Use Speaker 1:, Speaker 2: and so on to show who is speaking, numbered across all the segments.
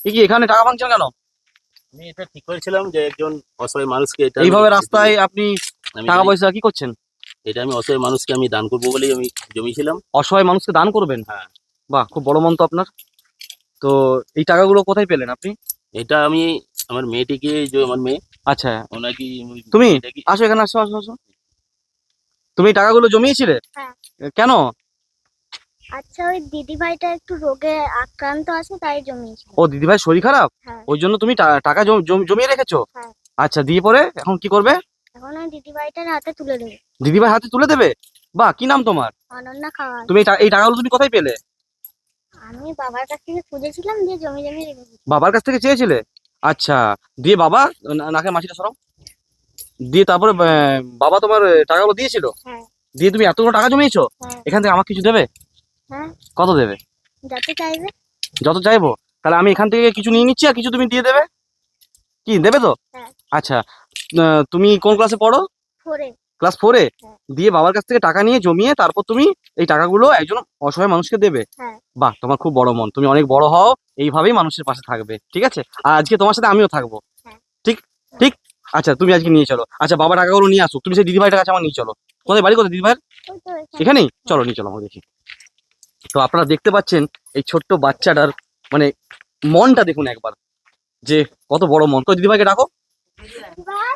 Speaker 1: কি এখানে টাকা ভাঙছেন কেন?
Speaker 2: আমি এটা ঠিক করেছিলাম যে একজন অসহায় মানুষকে এটা
Speaker 1: এইভাবে রাস্তায় আপনি
Speaker 2: আমি
Speaker 1: টাকা পয়সা কি করছেন?
Speaker 2: এটা আমি অসহায় মানুষকে আমি দান করবো বলেই আমি জমিয়েছিলাম।
Speaker 1: অসহায় মানুষকে দান করবেন?
Speaker 2: হ্যাঁ।
Speaker 1: বাহ, খুব বড় মন তো আপনার। তো এই টাকাগুলো কোথায় পেলেন আপনি?
Speaker 2: এটা আমি আমার মেয়েটিকে, যে আমার মেয়ে,
Speaker 1: আচ্ছা,
Speaker 2: ওনাকে
Speaker 1: তুমি
Speaker 2: এটাকে
Speaker 1: আসো এখানে, আসো আসো আসো। তুমি এই টাকাগুলো জমিয়েছিলে?
Speaker 3: হ্যাঁ।
Speaker 1: কেন?
Speaker 3: আচ্ছা, ওই দিদিভাইটা একটু রোগে আক্রান্ত আছে, তাই জমিয়েছিল।
Speaker 1: ও, দিদিভাই শরীর খারাপ,
Speaker 3: হ্যাঁ।
Speaker 1: ওই জন্য তুমি টাকা জমিয়ে রেখেছো?
Speaker 3: হ্যাঁ।
Speaker 1: আচ্ছা, দিয়ে পরে এখন কি করবে?
Speaker 3: এখন ওই দিদিভাইটার হাতে তুলে দেবো।
Speaker 1: দিদিভাই হাতে তুলে দেবে? বাহ, কি নাম তোমার?
Speaker 3: অনন্যা খাওয়া।
Speaker 1: তুমি এই টাকাগুলো তুমি কোথায় পেলে?
Speaker 3: আমি বাবার কাছ থেকে খুঁজেছিলাম, দিয়ে জমি জমি রেখে দিই।
Speaker 1: বাবার কাছ থেকে চেয়েছিলে? আচ্ছা, দিয়ে বাবা, নাকে মাছিটা সরাও, দিয়ে তারপরে বাবা তোমার টাকাগুলো দিয়েছিল?
Speaker 3: হ্যাঁ।
Speaker 1: দিয়ে তুমি এতগুলো টাকা জমিয়েছো?
Speaker 3: হ্যাঁ।
Speaker 1: এখান থেকে আমাকে কিছু দেবে?
Speaker 3: হ্যাঁ,
Speaker 1: কত দেবে?
Speaker 3: যত চাইবে।
Speaker 1: যত চাইবো। তাহলে আমি এখান থেকে কিছু নিয়ে নিচ্ছি, আর কিছু তুমি দিয়ে দেবে। কি দেবে তো?
Speaker 3: হ্যাঁ।
Speaker 1: আচ্ছা, তুমি কোন ক্লাসে পড়ো?
Speaker 3: 4-এ।
Speaker 1: ক্লাস 4-এ?
Speaker 3: হ্যাঁ।
Speaker 1: দিয়ে বাবার কাছ থেকে টাকা নিয়ে জমিয়ে তারপর তুমি এই টাকাগুলো একজন অসহায় মানুষকে দেবে?
Speaker 3: হ্যাঁ।
Speaker 1: বাহ, তোমার খুব বড় মন, তুমি অনেক বড় হও, এইভাবেই মানুষের পাশে থাকবে, ঠিক আছে? আর আজকে তোমার সাথে আমিও থাকবো।
Speaker 3: হ্যাঁ।
Speaker 1: ঠিক ঠিক। আচ্ছা, তুমি আজকে নিয়ে চলো। আচ্ছা, বাবা টাকাগুলো নিয়ে আসো, তুমি সেই দিদিভাইটার কাছে আমার নিয়ে চলো। কোথায় বাড়ি, কোথায় দিদিভাইয়ের?
Speaker 3: ওই তো এখানে।
Speaker 1: এখানেই? চলো, নিয়ে চলো, আমরা দেখি। তো আপনারা দেখতে পাচ্ছেন এই ছোট্ট বাচ্চাটার মানে মনটা দেখুন একবার, যে কত বড় মন। তো দিদিভাইকে ডাকো।
Speaker 3: দিদিভাই।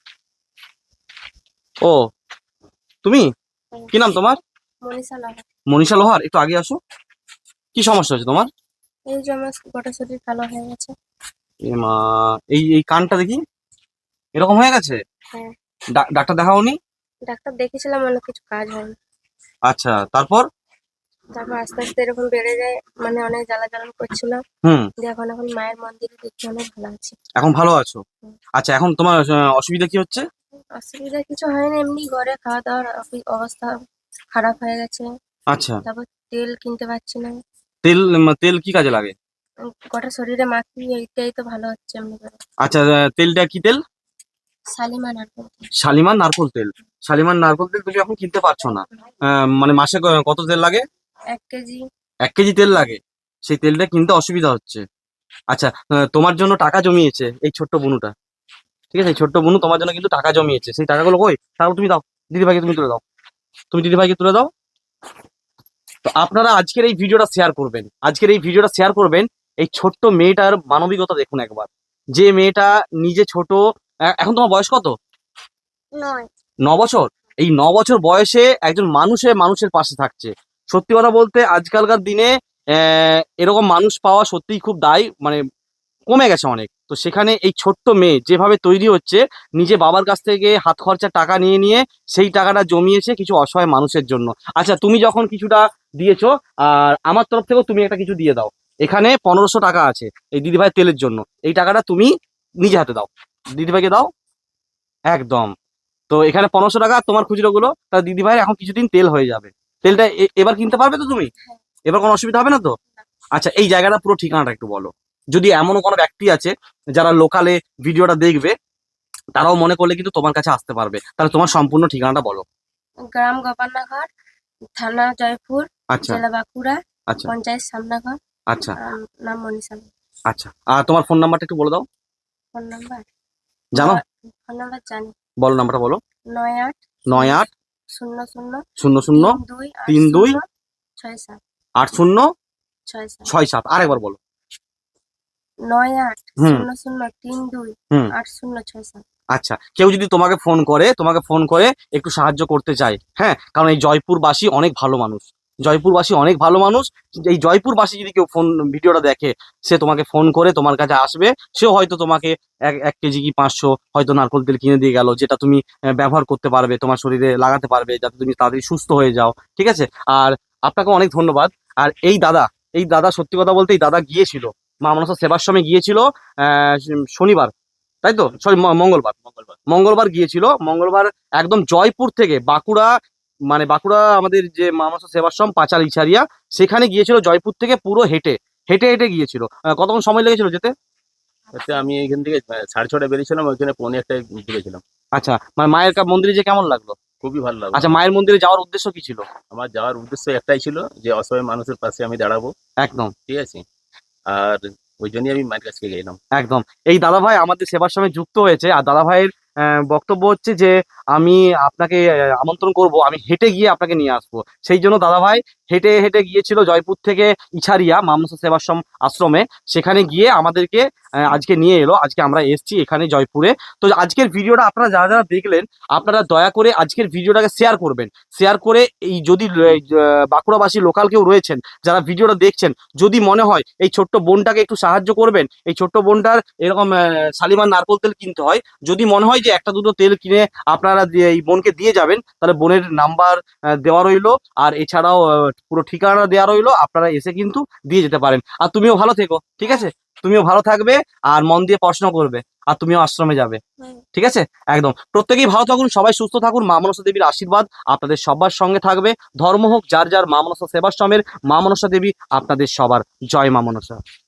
Speaker 1: ও, তুমি? কি নাম তোমার?
Speaker 3: মনীষা লাল।
Speaker 1: মনীষা লোহার। একটু আগে আসো। কি সমস্যা হচ্ছে তোমার?
Speaker 3: এই যে আমার গোটা শরীর কালো হয়ে গেছে।
Speaker 1: এ মা, এই এই কানটা দেখি এরকম হয়ে গেছে।
Speaker 3: হ্যাঁ।
Speaker 1: ডাক্তার দেখাওনি?
Speaker 3: ডাক্তার দেখেছিলাম, অনেক কিছু কাজ হয়নি।
Speaker 1: আচ্ছা, তারপর?
Speaker 3: তারপর আস্তে আস্তে এরকম বেড়ে যায়, মানে অনেক জ্বালা জ্বালা করছিল।
Speaker 1: হুম।
Speaker 3: দিয়ে এখন মায়ের মন্দিরে দেখছি অনেক ভালো আছি।
Speaker 1: এখন ভালো আছো? আচ্ছা, এখন তোমার অসুবিধা কি হচ্ছে?
Speaker 3: অসুবিধা কিছু হয়নি, এমনি ঘরে খাওয়া দাওয়ার অবস্থা খারাপ হয়ে গেছে।
Speaker 1: আচ্ছা,
Speaker 3: তারপর তেল কিনতে পারছি না।
Speaker 1: তেল তেল কি কাজে লাগে?
Speaker 3: গোটা শরীরে মাখি, এইটাই তো ভালো হচ্ছে এমনি করে।
Speaker 1: আচ্ছা, তেলটা কি তেল?
Speaker 3: শালিমার নারকেল তেল।
Speaker 1: শালিমার নারকোল তেল। শালিমার নারকোল তেল তুমি এখন কিনতে পারছো না? মানে মাসে কত তেল লাগে?
Speaker 3: 1 কেজি।
Speaker 1: 1 কেজি তেল লাগে, সেই তেলটা কিনতে অসুবিধা হচ্ছে। আচ্ছা, তোমার জন্য টাকা জমিয়েছে এই ছোট্ট বুনুটা, ঠিক আছে? এই ছোট্ট বুনু তোমার জন্য কিন্তু টাকা জমিয়েছে, সেই টাকাগুলো কই? তারপর তুমি দাও, দিদিভাইকে তুমি তুলে দাও, তুমি দিদিভাইকে তুলে দাও। তো আপনারা আজকের এই ভিডিওটা শেয়ার করবেন, আজকের এই ভিডিওটা শেয়ার করবেন। এই ছোট্ট মেয়েটার মানবিকতা দেখুন একবার, যে মেয়েটা নিজে ছোট। এখন তোমার বয়স কত?
Speaker 3: 9।
Speaker 1: 9 বছর। এই 9 বছর বয়সে একজন মানুষের পাশে থাকছে। সত্যি কথা বলতে আজকালকার দিনে এরকম মানুষ পাওয়া সত্যিই খুব মানে কমে গেছে অনেক। তো সেখানে এই ছোট্ট মেয়ে যেভাবে তৈরি হচ্ছে, নিজে বাবার কাছ থেকে হাত খরচা টাকা নিয়ে নিয়ে সেই টাকাটা জমিয়েছে কিছু অসহায় মানুষের জন্য। আচ্ছা, তুমি যখন কিছুটা দিয়েছো, আর আমার তরফ থেকেও তুমি একটা কিছু দিয়ে দাও। এখানে 1500 টাকা আছে এই দিদিভাই তেলের জন্য, এই টাকাটা তুমি নিজে হাতে দাও, দিদিভাইকে দাও। একদম। তো এখানে 1500 টাকা তোমার খুচরো গুলো, তা দিদিভাইয়ের এখন কিছুদিন তেল হয়ে যাবে। তেলটা এবার কিনতে পারবে তো তুমি? এবার কোনো অসুবিধা হবে না তো? আচ্ছা, এই জায়গাটা পুরো ঠিকানাটা একটু বলো। যদি এমনও কোনো ব্যক্তি আছে যারা লোকালে ভিডিওটা দেখবে, তারাও মনে করলে কিন্তু তোমার কাছে আসতে পারবে, তাহলে তোমার সম্পূর্ণ ঠিকানাটা বলো।
Speaker 3: গ্রাম গোপালনগর, থানা জয়পুর,
Speaker 1: আচ্ছা
Speaker 3: জেলা বাঁকুড়া,
Speaker 1: আচ্ছা
Speaker 3: পঞ্চায়েত সামনাঘর।
Speaker 1: আচ্ছা
Speaker 3: নাম মনীষা লাল।
Speaker 1: আচ্ছা, আর তোমার ফোন নাম্বারটা একটু বলে দাও।
Speaker 3: ফোন নাম্বার
Speaker 1: জানো?
Speaker 3: ফোন নাম্বার জানি।
Speaker 1: বলো, নাম্বারটা বলো।
Speaker 3: 98
Speaker 1: 98
Speaker 3: 00
Speaker 1: 00
Speaker 3: 32
Speaker 1: 32
Speaker 3: 67
Speaker 1: 80
Speaker 3: 67।
Speaker 1: 67। আরেকবার বলো।
Speaker 3: 98
Speaker 1: হুম
Speaker 3: 00 32
Speaker 1: হুম
Speaker 3: 80 67।
Speaker 1: আচ্ছা, কেউ যদি তোমাকে ফোন করে একটু সাহায্য করতে চায়, হ্যাঁ, কারণ এই জয়পুরবাসী অনেক ভালো মানুষ, জয়পুরবাসী অনেক ভালো মানুষ। এই জয়পুরবাসী যদি কেউ ভিডিওটা দেখে, সে তোমাকে ফোন করে তোমার কাছে আসবে। সেও হয়তো তোমাকে 1 কেজি কি 500 হয়তো নারকোল তেল কিনে দিয়ে গেল, যেটা তুমি ব্যবহার করতে পারবে, তোমার শরীরে লাগাতে পারবে, যাতে তুমি তাড়াতাড়ি সুস্থ হয়ে যাও, ঠিক আছে? আর আপনাকে অনেক ধন্যবাদ। আর এই দাদা সত্যি কথা বলতে, এই দাদা গিয়েছিল মা মনসা সেবাশ্রমে গিয়েছিল শনিবার, তাই তো? সরি, মঙ্গলবার। মঙ্গলবার গিয়েছিল। মঙ্গলবার একদম জয়পুর থেকে বাঁকুড়া, মানে বাঁকুড়া আমাদের যে মামাসা সেবাশ্রম পাঁচাল ইছারিয়া, সেখানে গিয়েছিল জয়পুর থেকে পুরো হেঁটে হেঁটে হেঁটে গিয়েছিল। কতক্ষণ সময় লেগেছিল যেতে?
Speaker 2: আমি এখান থেকে 6:30 বেরিয়েছিলাম, ওইখানে 1:45 ঢুকেছিলাম।
Speaker 1: আচ্ছা, মানে মায়ের মন্দিরে যে কেমন লাগলো?
Speaker 2: খুবই ভালো লাগলো।
Speaker 1: আচ্ছা, মায়ের মন্দিরে যাওয়ার উদ্দেশ্য কি ছিল?
Speaker 2: আমার যাওয়ার উদ্দেশ্য একটাই ছিল, যে অসহায় মানুষের পাশে আমি দাঁড়াবো।
Speaker 1: একদম।
Speaker 2: ঠিক আছে। আর ওই জন্যই আমি মায়ের কাছ থেকে এলাম।
Speaker 1: একদম। এই দাদা ভাই আমাদের সেবাশ্রমে যুক্ত হয়েছে, আর দাদা ভাইয়ের বক্তব্য হচ্ছে যে আমি আপনাকে আমন্ত্রণ করব, আমি হেঁটে গিয়ে আপনাকে নিয়ে আসবো। সেই জন্য দাদা ভাই হেঁটে হেঁটে গিয়েছিল জয়পুর থেকে ইছারিয়া মা মনসা সেবাশ্রম আশ্রমে, সেখানে গিয়ে আমাদেরকে আজকে নিয়ে এলো। আজকে আমরা এসছি এখানে জয়পুরে। তো আজকের ভিডিওটা আপনারা যারা যারা দেখলেন, আপনারা দয়া করে আজকের ভিডিওটাকে শেয়ার করবেন। শেয়ার করে এই যদি বাঁকুড়াবাসী লোকাল কেউ রয়েছেন যারা ভিডিওটা দেখছেন, যদি মনে হয় এই ছোট্ট বোনটাকে একটু সাহায্য করবেন, এই ছোট্ট বোনটার এরকম শালিমার নারকোল তেল কিনতে হয়, যদি মনে হয় যে একটা দুটো তেল কিনে আপনারা এই বোনকে দিয়ে যাবেন, তাহলে বোনের নাম্বার দেওয়া রইলো, আর এছাড়াও পুরো ঠিকানা দেওয়া রইলো, আপনারা এসে কিন্তু দিয়ে যেতে পারেন। আর তুমিও ভালো থেকো, ঠিক আছে? তুমিও ভালো থাকবে আর মন দিয়ে পড়াশোনা করবে, আর তুমিও আশ্রমে যাবে, ঠিক আছে? একদম। প্রত্যেকেই ভালো থাকুন, সবাই সুস্থ থাকুন। মা মনসা দেবীর আশীর্বাদ আপনাদের সবার সঙ্গে থাকবে। ধর্ম হোক যার যার, মা মনসা সেবাশ্রমের মা মনসা দেবী আপনাদের সবার। জয় মা মনসা।